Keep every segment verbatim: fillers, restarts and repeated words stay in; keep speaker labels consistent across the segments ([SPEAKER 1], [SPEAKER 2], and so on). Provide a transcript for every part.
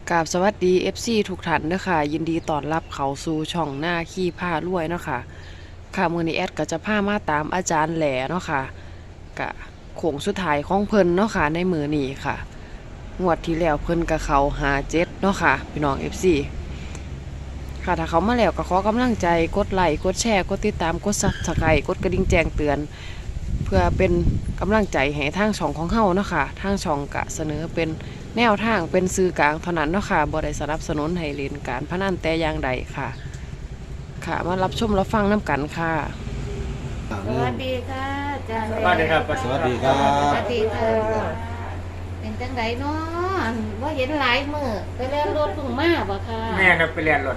[SPEAKER 1] กราบสวัสดี เอฟ ซี ทุกท่านเด้อค่ะยินดีต้อนรับเข้าสู่ช่องหน้าขี้ผ้ารวยเนาะค่ะค่ะมื้อนี้แอดก็จะพามาตามอาจารย์แหล่เนาะค่ะกะโค้งสุดท้ายของเพิ่นเนาะค่ะในมื้อนี้ค่ะงวดที่แล้วเพิ่นก็เข้าห้าเจ็ดเนาะค่ะพี่น้อง เอฟ ซี ค่ะถ้าเขามาแล้วก็ขอกำลังใจกดไลค์กดแชร์กดติดตามกด ซับสไครบ์ กดกระดิ่งแจ้งเตือนเพื่อเป็นกำลังใจให้ทางช่องของเฮาเนาะค่ะทางช่องกะเสนอเป็นแนวทางเป็นสื่อกลางเท่านั้นเนาะค่ะบ่ได้สนับสนุนให้เล่นการพนันแต่อย่างใดค่ะค่ะมารับชมรับฟังน้ำกันค่ะ
[SPEAKER 2] สวัสดีค่ะอาจารย์
[SPEAKER 3] สวัสดีครับ
[SPEAKER 4] สวัสดีครับ
[SPEAKER 2] สวัสดีค่ะเป็นจังไดเนาะว่าเห็นหลายมือไปเล่นรถพุ่งมาบ่ค่ะ
[SPEAKER 3] แม่ครับไปเรียนรถ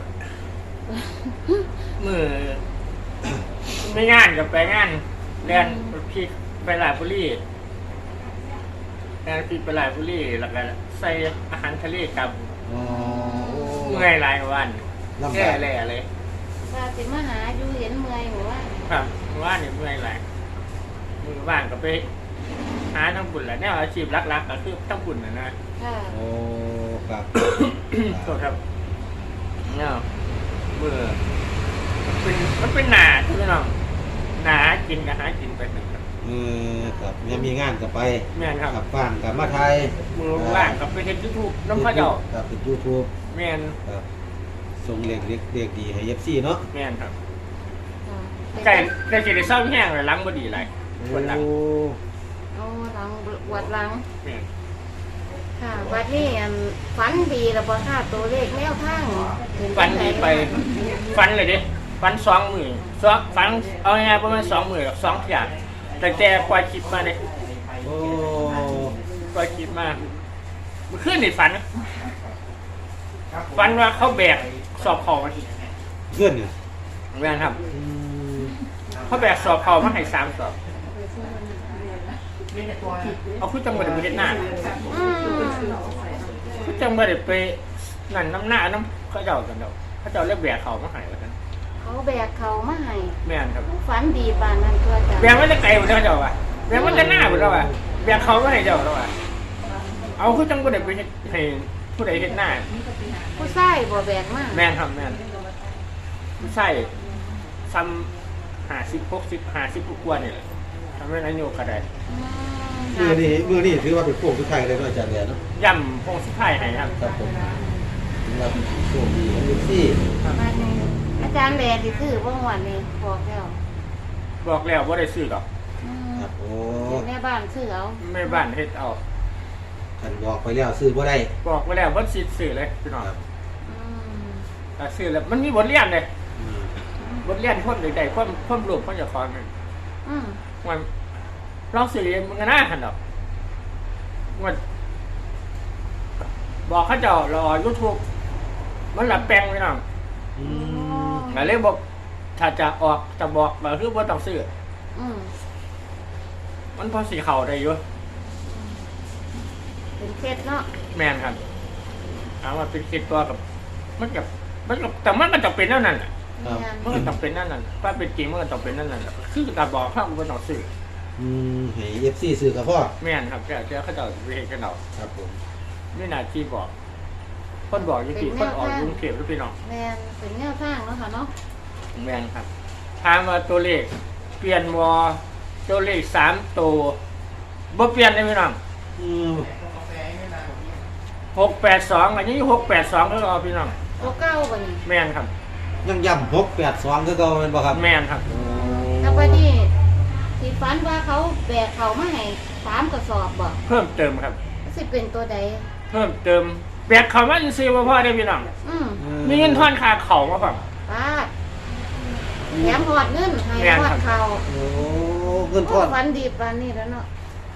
[SPEAKER 3] มือไม่งานกับไปงานเรียนพี่ไปหลายบุรีเรียนพี่ไปหลายบุรีแล้วก็ใส่อาหารทะเลกับ
[SPEAKER 4] อ๋อ
[SPEAKER 3] เมื่อยหลายวัน
[SPEAKER 4] ลำ
[SPEAKER 3] แก่
[SPEAKER 4] บาก
[SPEAKER 3] แล่เลย
[SPEAKER 2] ว่าสิมาหาอยู่เห็นเมื่อยบ่ว่า
[SPEAKER 3] ครับว่าเนี่ยเมื่อยหลายมือว่างก็ไปหาทั้งบุญแหละแนวอาชีพรักๆก็คือทั้งบุญนะนะ
[SPEAKER 2] ค่ะ
[SPEAKER 4] โอ้ครับ
[SPEAKER 3] โทษครับเนี่ยมือมันเป็นมันเป็นหนาใช่ไหมน้องหนากินกับหากินไปหนึ่งครับ
[SPEAKER 4] เออครับยังมีงานกับไป
[SPEAKER 3] แม่นครับ
[SPEAKER 4] กับฟางกับมาไทย
[SPEAKER 3] มือว่างกับไปเห็นยูทูบน้ำข้าวเจ้า
[SPEAKER 4] ครับเป็นยูทูบ
[SPEAKER 3] แม่น
[SPEAKER 4] ครับส่งเล็กเล็กเล็กดีให้เอฟซีเนาะ
[SPEAKER 3] แม่นครับ
[SPEAKER 2] ค่ะ
[SPEAKER 3] ไก่ไก่จะได้เศร้าแห้งเลยล้างบ่ดีไรปวดหลัง
[SPEAKER 4] โอ้
[SPEAKER 2] เอาหลังปวดหลัง
[SPEAKER 3] แม่น
[SPEAKER 2] ค่ะบัดนี้อันฝันดีแล้วบ่ค่ะตัวเลขแนวทางเห็
[SPEAKER 3] ฟัน
[SPEAKER 2] จัง
[SPEAKER 3] ดี
[SPEAKER 2] ใ
[SPEAKER 3] ไปฟันเลยดิฟันสองมือสองฟันเอาง่ายๆประมาณสองมือสองอย่างแต่แต่ปล่อยคลิปมาเลย
[SPEAKER 4] โอ้
[SPEAKER 3] ปล่อยคลิปมาเมื่อคืนนี่ฝันฝันว่าเขาแบกสอบเขามา
[SPEAKER 4] เพื่อนเนี่ย
[SPEAKER 3] แม่นครับ
[SPEAKER 4] อืม
[SPEAKER 3] เขาแบกสอบเขามาให้สามสอบเอาคุณจังหวัดไปเฮ็ดหน้า
[SPEAKER 2] อืม
[SPEAKER 3] คุณจังหวัดไปนั่นน้ำหน้าน้ำเขาเจ้ากันเดาเขาเจ้าเรียกแบกเขามาให้แล้วกัน
[SPEAKER 2] เขาแบกเขามาให้
[SPEAKER 3] แม่นครับ
[SPEAKER 2] ฝันดีปานนั้นตัวอาจารย์
[SPEAKER 3] แบกมันจะไกลหมดแล้วเจ้าว่ะแบกมันจะหน้าหมดแล้วว่ะแบกเขามาให้เจ้าแล้วว่ะเอาคุณจังหวัดไปเฮ็ดให้ผู้ใดเฮ็ดหน้า
[SPEAKER 2] ผู้ชายบ่แบกมา
[SPEAKER 3] แม่นครับแม่นผู้ใช่ซ้ำหาสิบหกสิบหาสิบกว่านี่แหละทำให้นายโยกก็ได้
[SPEAKER 2] อืม
[SPEAKER 4] มือนี่มือนี่ถือว่าเป็นพวกทุกไทยเลยเนาะอาจารย์เนี่ยเนาะ
[SPEAKER 3] ย่ำพงสุดท้ายให้ครับ
[SPEAKER 4] ครับผมถือว่าเป็นโชคดีของเอฟซี
[SPEAKER 2] มานี่อาจารย์แลที่ซื้อบ่งวันนี้บอกแล้ว
[SPEAKER 3] บอกแล้วว่าได้ซื้อหรอก
[SPEAKER 2] อืม
[SPEAKER 4] ครับโอ้
[SPEAKER 2] แม่บ้านซื้อเอา
[SPEAKER 3] แม่บ้านเฮ็ดเอา
[SPEAKER 4] ท่านบอกไปแล้วซื้อบ่ได้
[SPEAKER 3] บอกไว้แล้วว่าสิซื้อเลยพี่น้อง
[SPEAKER 4] ครับ
[SPEAKER 2] อืม
[SPEAKER 3] แต่ซื้อแล้วมันมีบทเรียนเลย
[SPEAKER 4] อืม
[SPEAKER 3] บทเรียนคนใดๆคนคนรวมคนจะฟังกัน
[SPEAKER 2] อืม
[SPEAKER 3] มันลองสิเรียนมันก็น่าหันดอกมันบอกเขาเจ้ารอยูทูบมันหลับแปลงพี่น้อง
[SPEAKER 4] อืม
[SPEAKER 3] แต่เลยบอกถ้าจะออกจะบอกก็คือว่าต้องซื้อ
[SPEAKER 2] อืม
[SPEAKER 3] มันพอสีเข่าได้อยู่
[SPEAKER 2] เป็นเคล็ดเนาะ
[SPEAKER 3] แมนครับเอามาเป็นคิดตัวกับ มันกับมันกับแต่มันก็ต้องเป็นนั่นนั่นแหละ
[SPEAKER 2] แม่น
[SPEAKER 3] มันก็ต้องเป็นนั่นนั่นถ้าเป็นจริงมันก็ต้องเป็นนั่นนั่นแหละคือการบอกข้างบนต้องซื้อ
[SPEAKER 4] อืมให้เอฟซีซื้อกับพ่อ
[SPEAKER 3] แม่นครับเจ้าเจ้าเขาเจะไปเห็นกันเอา
[SPEAKER 4] ครับผม
[SPEAKER 3] ไม่น่าที่บอกคนบอกอยี่ที่คนออกลุงเก็บหรือพี่น้อง
[SPEAKER 2] แม่นเป็นแนวทางเนาะค่ะเนาะ
[SPEAKER 3] แมนครับถามว่าตัวเลขเปลี่ยนวอตัวเลขสามตัวบ่เปลี่ยนเลยพี่น้อง
[SPEAKER 4] อืม
[SPEAKER 3] หกแปดสองอันนี้หกแปดสองก็รอพี่น้อง
[SPEAKER 2] ตัวเก้าบ่นี่
[SPEAKER 3] แมนครับ
[SPEAKER 4] ยังย่ำหกแปดสองคือเก่าแม่นบ่ครับ
[SPEAKER 3] แมนครับ
[SPEAKER 4] โอ้
[SPEAKER 2] แล้วบัดนี้ที่ฝันว่าเขาแบกเขามาให้สามกระสอบบ่
[SPEAKER 3] เพิ่มเติมครับ
[SPEAKER 2] สิเป็นตัวใด
[SPEAKER 3] เพิ่มเติมแบกเขามาซื้อมาพ่อได้พี่น้อง
[SPEAKER 2] อืม
[SPEAKER 3] มีเงินทอนค่าเขามาครับ
[SPEAKER 2] ปาดแถมหอดเงินให้
[SPEAKER 3] แม่น
[SPEAKER 2] หอ
[SPEAKER 3] ครั
[SPEAKER 2] ด
[SPEAKER 3] บ
[SPEAKER 2] เขา
[SPEAKER 4] โอ้เงินท
[SPEAKER 2] โอ้
[SPEAKER 4] อน
[SPEAKER 2] ฝันดีปานนี้แล้วเนาะ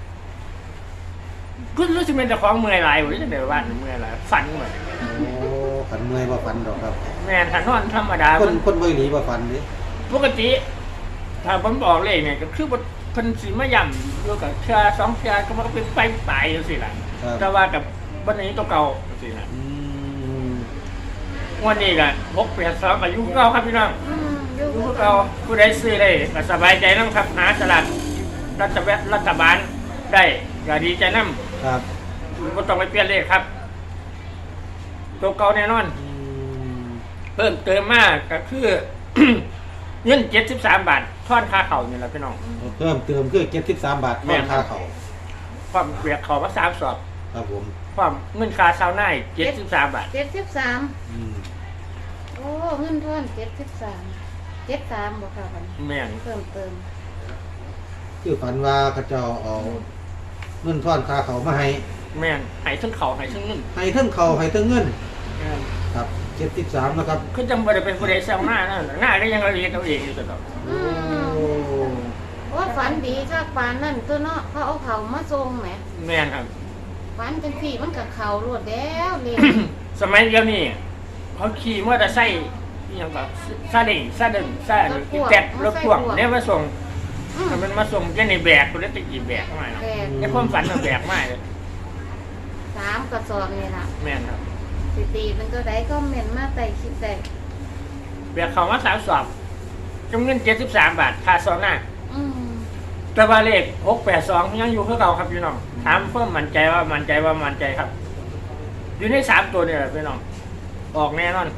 [SPEAKER 3] ก็รู้สึกเป็นเจ้าของเมื่อยหลายอยู่ที่ไหนบ้านเมื่อยหลายฝันเหมือน
[SPEAKER 4] โอ้ฝันเมื่อยบ่ฝันดอกครับ
[SPEAKER 3] แม่นถ้านอนธรรมดา
[SPEAKER 4] คน
[SPEAKER 3] มัน
[SPEAKER 4] คนบ่หนีบ่ฝันเด้
[SPEAKER 3] ปกติ ถ้าผมบอกเลยเนี่ยก็คือว่าเพิ่นสิมาย่ำอยู่กับเชือสองเชือก็มันก็เป็นไปตายอยู่สิล่ะ
[SPEAKER 4] ครับ
[SPEAKER 3] แต่ว่ากับวันนี้ตัวเก่าสิล่ะ
[SPEAKER 4] อืม
[SPEAKER 3] วันนี้ก็หกแปดสองอายุเก่าครับพี่น้อง
[SPEAKER 2] อืมอยู่
[SPEAKER 3] อายุ
[SPEAKER 2] คือ
[SPEAKER 3] เก่าผู้ใดซื้อได้ก็สบายใจน้ำครับหาสลัดรัฐบาลรัฐบาลได้ก็ดีใจน้
[SPEAKER 4] ครับ
[SPEAKER 3] ำก็ต้องไปเปลี่ยนเลขครับตัวเก่าแน่นอน
[SPEAKER 4] อืม
[SPEAKER 3] เพิ่มเติมมากก็คือ เงินเจ็ดสิบสามบาททอนค่าเข่านี่แหละพี่น้อง
[SPEAKER 4] เพิ่มเติมคือเจ็ดสิบสามบาท
[SPEAKER 3] แม่
[SPEAKER 4] ค่าน ค่าเขา
[SPEAKER 3] ความเบียกเข่ามาสามสอบ
[SPEAKER 4] ครับผม
[SPEAKER 3] ความเงินค่าซาวน่าเจ็ดสิบสามบาท
[SPEAKER 2] เจ็ดสิบสาม
[SPEAKER 4] อืม
[SPEAKER 2] โอ้เงินทอนเจ็ดสิบสามเจ็ดสามบ่ค่ะบัดนี้
[SPEAKER 3] แม่น
[SPEAKER 2] เพิ่มเติม
[SPEAKER 4] คือฝันว่าเขาเจ้าเอาเงินทอนค่าเขามาให้
[SPEAKER 3] แม่นใหายทั้งเข่าใหายทั้งเงิน
[SPEAKER 4] ให้ทั้งเขาให้ทั้งเงิน
[SPEAKER 3] แม่น
[SPEAKER 4] ครับเจ็ดสิบสามนะครับ
[SPEAKER 3] คือจังบ่ได้เป็นผู้ใดแซวหน้านั่นหน้าได้ยังละเอียดเอาเองอยู่ตลอด
[SPEAKER 4] โอ้
[SPEAKER 2] ว่าฝันดีค่ะฝันนั่นตัวเนาะเขาเอาเขามาส่งแหม
[SPEAKER 3] แม่นครับ
[SPEAKER 2] ฝันจังสี่มันกับเขารวดแล้วเลย
[SPEAKER 3] สมัยเดียวนี้เขาขี่มอเตอร์ไซค์อหยังแบบซาเด้งซาเด้งซาอีแตดรถพ่วงเนี่ยมาส่ง
[SPEAKER 2] อืม
[SPEAKER 3] มันมาส่งแค่ในแบกคนละตะกี้แบกมาเนาะ
[SPEAKER 2] แปด
[SPEAKER 3] ในความฝันมันแบกมาเลย
[SPEAKER 2] สามกระสอบนี่ล่ะ
[SPEAKER 3] แม่นครับ
[SPEAKER 2] สิตีเป็นตัวใดก็เม่นมาใส่คลิปใด
[SPEAKER 3] แบกเขามาสามสอบจำเงินเจ็ดสิบสามบาทค่าซองหน้า
[SPEAKER 2] อืม
[SPEAKER 3] แต่ว่าเลขหกแปดสองยังอยู่คือเก่าครับพี่น้องถามเพิ่มมั่นใจว่ามั่นใจว่ามั่นใจครับ อยู่ในสามตัวนี่แหละพี่น้องออกแน่นอน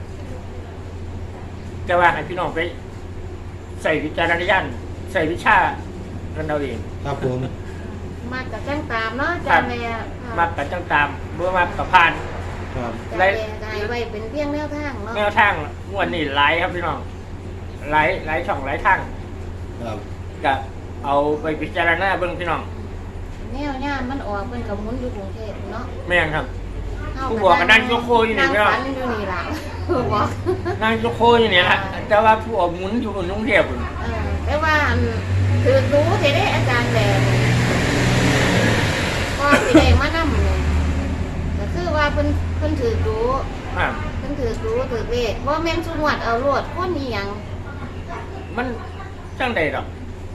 [SPEAKER 3] แต่ว่าให้พี่น้องไป ใส่วิจารณญาณใส่วิชากันเอาเอง
[SPEAKER 4] ครับผม
[SPEAKER 2] มากับจ้างตามเนาะจานแม่ค่ะ
[SPEAKER 3] มักกับจังตามเมื่อมากับพาน
[SPEAKER 4] ครับ
[SPEAKER 2] จานแม่ก็ให้ไว้เป็นเพียงแนวทางเนาะ
[SPEAKER 3] แนวทางงวดนี้หลายครับพี่น้องหลายหลายช่องหลายทาง
[SPEAKER 4] ครับ
[SPEAKER 3] ก็เอาไปพิจารณาเบิ่งพี่น้อง
[SPEAKER 2] แนวย่ามมันออกเป็นกับหมุนอยู่กรุงเทพเนาะ
[SPEAKER 3] แม่นครับ
[SPEAKER 2] เฮา
[SPEAKER 3] ผู้บอกก็นั่งยกโคอยู่นี่
[SPEAKER 2] นั่ง
[SPEAKER 3] พี่น้อง
[SPEAKER 2] ฝันอยู่นี่ล่ะ ผู้บอก
[SPEAKER 3] นั่งยกโคอยู่เนี่ยละแต่ว่าผู้ออกหมุนอยู่บนนุ่งเทียบพุ่น
[SPEAKER 2] เออแต่ว่าอันถือรู้สิได้อาจารย์แหล่ก็สิได้มานำเลยก็คือว่าเพิ่นเพิ่นถือรู้
[SPEAKER 3] ครับ
[SPEAKER 2] เพิ่นถือรู้ถือเลขบ่แม่นสุนวดเอาโลดคนอีหยัง
[SPEAKER 3] มันจังใดดอก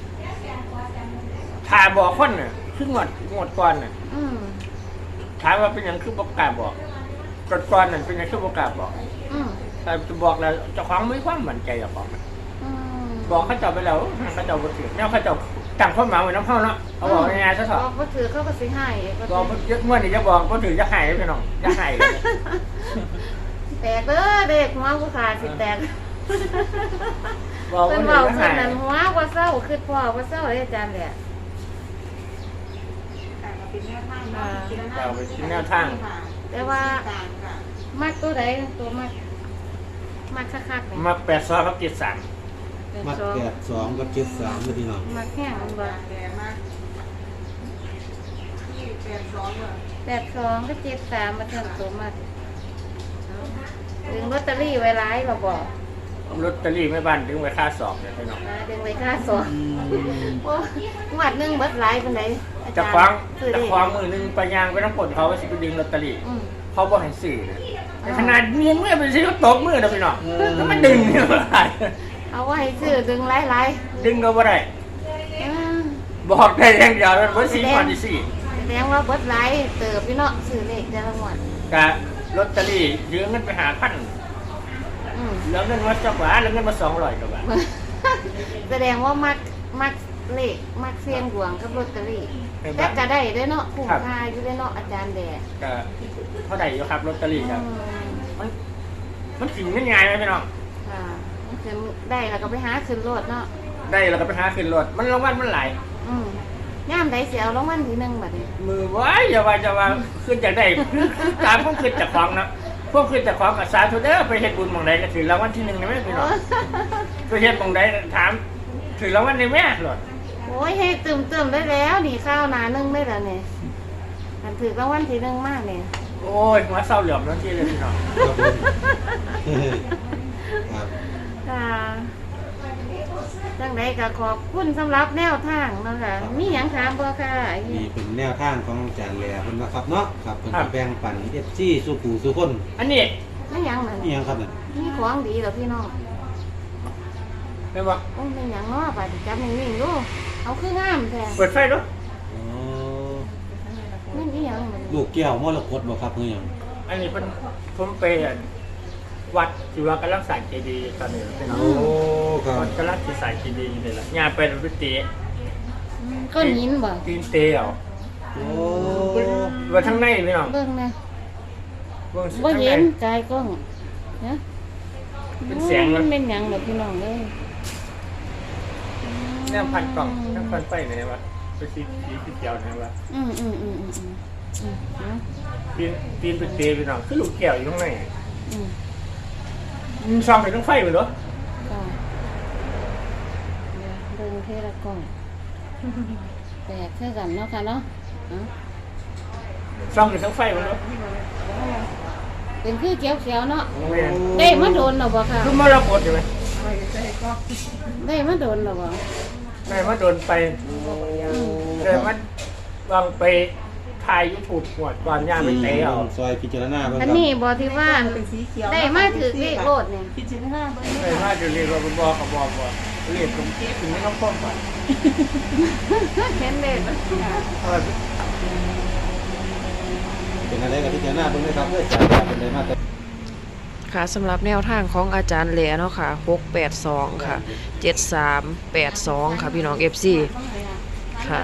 [SPEAKER 3] ถ้าบอกคนน่ะคืองวดงวดก่อนน่ะ
[SPEAKER 2] อืม
[SPEAKER 3] ถามว่าเป็นหยังคือบ่กล้าบอกก่อนก่อนนั่นเป็นหยังคือบ่กล้าบอก
[SPEAKER 2] อืม
[SPEAKER 3] แต่จะบอกแล้วเจ้าของไม่ความมั่นใจหรอกบอก
[SPEAKER 2] อืม
[SPEAKER 3] บอกเขาเจ้าไปแล้วเขาเจ้าบ่ถือแนวเขาเจ้าตั้งความหมายไว้น้ำเข้าเนาะเอาบอกง่ายๆซะเถ
[SPEAKER 2] บ
[SPEAKER 3] อะ
[SPEAKER 2] อกบ่ถือเขาก็สิให้ก็
[SPEAKER 3] บอกบ่เยอะเมื่อนี่จะบอกบ่ถือจะหายพี่น้องจะหายเลย
[SPEAKER 2] แตกเด้อเด็กหัวผู้ขาสิแตก
[SPEAKER 3] บอก
[SPEAKER 2] เพิ่
[SPEAKER 3] บ่
[SPEAKER 2] น
[SPEAKER 3] ถื
[SPEAKER 2] เว้า
[SPEAKER 3] อจะ
[SPEAKER 2] เพิ่น
[SPEAKER 3] หาย
[SPEAKER 2] นั่นหัวบ่เศร้าคือพ่อบ่เศร้าเด้อาจารย์แหละ
[SPEAKER 3] เราไปชิ้นแนวทาง
[SPEAKER 2] แต่ว่ามักตัวใดตัวมักมักคักๆนี่
[SPEAKER 3] มาแปดซอยกับเจ็ดสาม
[SPEAKER 4] มัดแปดสองกับเจ็ดสามเลยพี่น้อง
[SPEAKER 2] มักแห้งมันบ่แปดสองก็เจ็ดสามมาเทิงตัวมักดึงลอตเตอรี่ไว้หลายเราบอก
[SPEAKER 3] ลอตเตอรี่ไม่บ้านถึงไว้ค่าสอบเนี่ยพี่น้อง
[SPEAKER 2] นะดึงไว้ค่าสองโอ้งวดหนึงเบิดหลายปานใดอา
[SPEAKER 3] จะ
[SPEAKER 2] จารย์
[SPEAKER 3] คว้าง
[SPEAKER 2] ซื้อ
[SPEAKER 3] จะ
[SPEAKER 2] ได้
[SPEAKER 3] คว้างมือหนึงไปยางไปต้องผลเขาไปสิไปดึงลอตเตอรี่
[SPEAKER 2] อืม
[SPEAKER 3] เขาบอกให้สื่อนะแต่ขนาดเมียนเมื่อเป็นสิเขาตบมือนะพี่น้องแล้วมันดึงเนี่ยบ่ได้
[SPEAKER 2] เอาไว้ซื้อดึงหลาย
[SPEAKER 3] ดึงก็บ่ได้
[SPEAKER 2] ๆอ่า
[SPEAKER 3] บอกได้อย่างเดียวมันบ่สี่พันสี่
[SPEAKER 2] แสดงว่าเบิดหลายเติบพี่เนาะซื้อเลขแต่ละงวด
[SPEAKER 3] กะลอตเตอรี่ยืมเงินไปหาพัน
[SPEAKER 2] อืม
[SPEAKER 3] แล้วเงินมาจักหวาแล้วเงินมาสองร้อยกว่าบาท
[SPEAKER 2] แสดงว่ามักมักเลขมักเสียงดวงกับลอตเตอรี่
[SPEAKER 3] ใน
[SPEAKER 2] แต่
[SPEAKER 3] บ้าน
[SPEAKER 2] ก็ได้เด้อเนาะคุ้มค่าอยู่เด้อเนาะอาจารย์แดด
[SPEAKER 3] ก็เท่าไหร่อยู่ครับลอตเตอรี่ครับ
[SPEAKER 2] อืม
[SPEAKER 3] มันมันถึงเงินง่ายไหมพี่น้อง
[SPEAKER 2] ค่ะมันคือได้แล้วก็ไปหาขึ้นรถเนาะ
[SPEAKER 3] ได้แล้วก็ไปหาขึ้นรถมันรางวัลมันหลาย
[SPEAKER 2] อืมย่ามใดเสียเอารางวัลที่หนึ่งบัดนี้
[SPEAKER 3] มือไว้อย่าว่าจะว่าขึ้นจากได้คือคือตามพวกขึ้นจากของนะพวกขึ้นจากของกับสาธุเด้อไปเฮ็ดบุญหม่องใดก็ถือรางวัลที่หนึ่งนะแม่พี่น้องไปเฮ็ดหม่องใดถามถือรางวัลในแม่หลด
[SPEAKER 2] โอ้ยให้ตื่มเติมๆได้แล้วนี่ข้าวหนาหนึ่งได้แล้วเนี่ยมันถือรางวัลที่หนึ่งมากเนี่ย
[SPEAKER 3] โอ้ยหัวเศร้าเหลี่ยมนั่นที่เลยพี่น้อง
[SPEAKER 4] ครับผมครับ
[SPEAKER 2] ค่ะจังใดก็ขอบคุณสำหรับแนวทางเนาะค่ะมีหยังถามบ่ค่ะ
[SPEAKER 4] นี่เป็นแนวทางของอาจารย์แหล่เพิ่นนะครับเนาะครับเพิ่นก็แบ่งปัน เอฟ ซี สู่ผู้สู่คน
[SPEAKER 3] อันนี้
[SPEAKER 2] ไม่หยังนั่น
[SPEAKER 4] นี่หยังครับนั่น
[SPEAKER 2] มีของดีเหรอพี่น้อง
[SPEAKER 3] เป็นบ่
[SPEAKER 2] โอ้ยไม่หยังเนาะบัดนี้จับนิ่งๆดูเอาคืองามแท้
[SPEAKER 3] เปิดไฟดู
[SPEAKER 4] อ๋อ
[SPEAKER 2] นี่อีหยังมัน
[SPEAKER 4] ลูกแก้วมรกตบ่ครับคือหยัง
[SPEAKER 3] อันนี้เป็นผมไปวัดที่ว่ากำลังสร้างเจดีย์ตอนนี้พี่น้อง
[SPEAKER 4] โอ้ครับ
[SPEAKER 3] วัดกำลังสิสร้างเจดีย์นี่แหละงานเป็นวิตี
[SPEAKER 2] อืมก้อนหินบ่
[SPEAKER 3] ตีนเตะเอา
[SPEAKER 4] โอ้
[SPEAKER 3] ว่าทั้งในพี่น้อง
[SPEAKER 2] เบิ่งนะ
[SPEAKER 3] เบิ่ง
[SPEAKER 2] บ่
[SPEAKER 3] ทาง
[SPEAKER 2] เห็
[SPEAKER 3] ใด
[SPEAKER 2] นกายกล้องนะ
[SPEAKER 3] เป็นเสียง
[SPEAKER 2] มั
[SPEAKER 3] มัน
[SPEAKER 2] นเป็นหยังเหรอพี่น้องเอ้ย
[SPEAKER 3] แนวพันกล่องแนวพันไฟไหนวะไปสีสีสีเขียวไหนวะ
[SPEAKER 2] อืมอืมอืมอืมอืมอืมนะ
[SPEAKER 3] ปีนปีนไปเตะไปหน่อยคือลูกแก้วอยู่ข้างใน
[SPEAKER 2] อืม
[SPEAKER 3] มันซ่อมไปทั้งไฟหมดเหรอ
[SPEAKER 2] ก็เดี๋ยวเบิ่งเทละกล้องแปลกคือกันเนาะค่ะเนาะเอ้า
[SPEAKER 3] ซ่อมไปทั้งไฟหมดเหรอ
[SPEAKER 2] เป็นคือเขียวๆเนาะ
[SPEAKER 3] แม่น
[SPEAKER 2] ได้มาโดนหรอบ่ค่ะ
[SPEAKER 3] คือมรกตใช่ไหม
[SPEAKER 2] ได้มาโดนหรอบ่
[SPEAKER 3] ได้มาโดนไปได้มาวางไปถ่ายยูทูบหวดก่อนย่าไปเตะเอา
[SPEAKER 4] ซอยพิจารณาเบิ่งค
[SPEAKER 2] อั
[SPEAKER 4] รั
[SPEAKER 2] น
[SPEAKER 4] บ
[SPEAKER 2] นี้บ่ที่ว่า
[SPEAKER 5] เป็นสีเขียว
[SPEAKER 2] ได้มาถือเลขโลดเนี่ย
[SPEAKER 5] พิจารณาเบิ่ง
[SPEAKER 3] ได้มาจะเรียกว่าบอกกับบอกว่าเรียกผมถึงไม่ต้องพ้นก่อน
[SPEAKER 2] เห็นเลขมัน
[SPEAKER 3] เอาแบบ
[SPEAKER 4] เป็นอะไรกับพิจารณาเบิ่งเลยครับเพื่ออาจารย์แหล่เป็นเลยมาแต่
[SPEAKER 1] ค่ะสำหรับแนวทางของอาจารย์แหล่เนาะค่ะหกแปดสองค่ะเจ็ดสามแปดสองค่ะพี่น้อง เอฟ ซี ค่ะ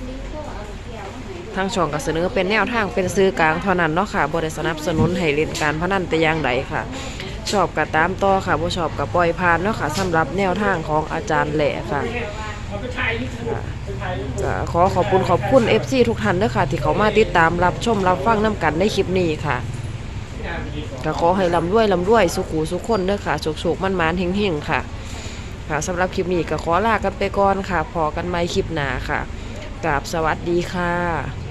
[SPEAKER 1] ทางช่องก็เสนอเป็นแนวทางเป็นซื้อกลางเท่านั้นเนาะค่ะบ่ได้สนับสนุนให้เล่นการพนันแต่อย่างใดค่ะ ชอบก็ตามต่อค่ะบ่ชอบก็ปล่อยผ่านเนาะค่ะสำหรับแนวทางของอาจารย์แหล่ค่ะ
[SPEAKER 3] เอาไปถ่ายยูทูบไปถ่ายยูทูบ
[SPEAKER 1] ก็ขอขอบคุณขอบคุณ เอฟ ซี ทุกท่านเด้อค่ะที่เขามาติดตามรับชมรับฟังน้ำกันในคลิปนี้ค่ะก็ขอให้ลำด้วยลำด้วยสุขูสุขคนเด้อค่ะโชคๆมันมานๆเฮงๆค่ะค่ะสำหรับคลิปนี้ก็ขอลากันไปก่อนค่ะพอกันใหม่คลิปหน้าค่ะกราบสวัสดีค่ะ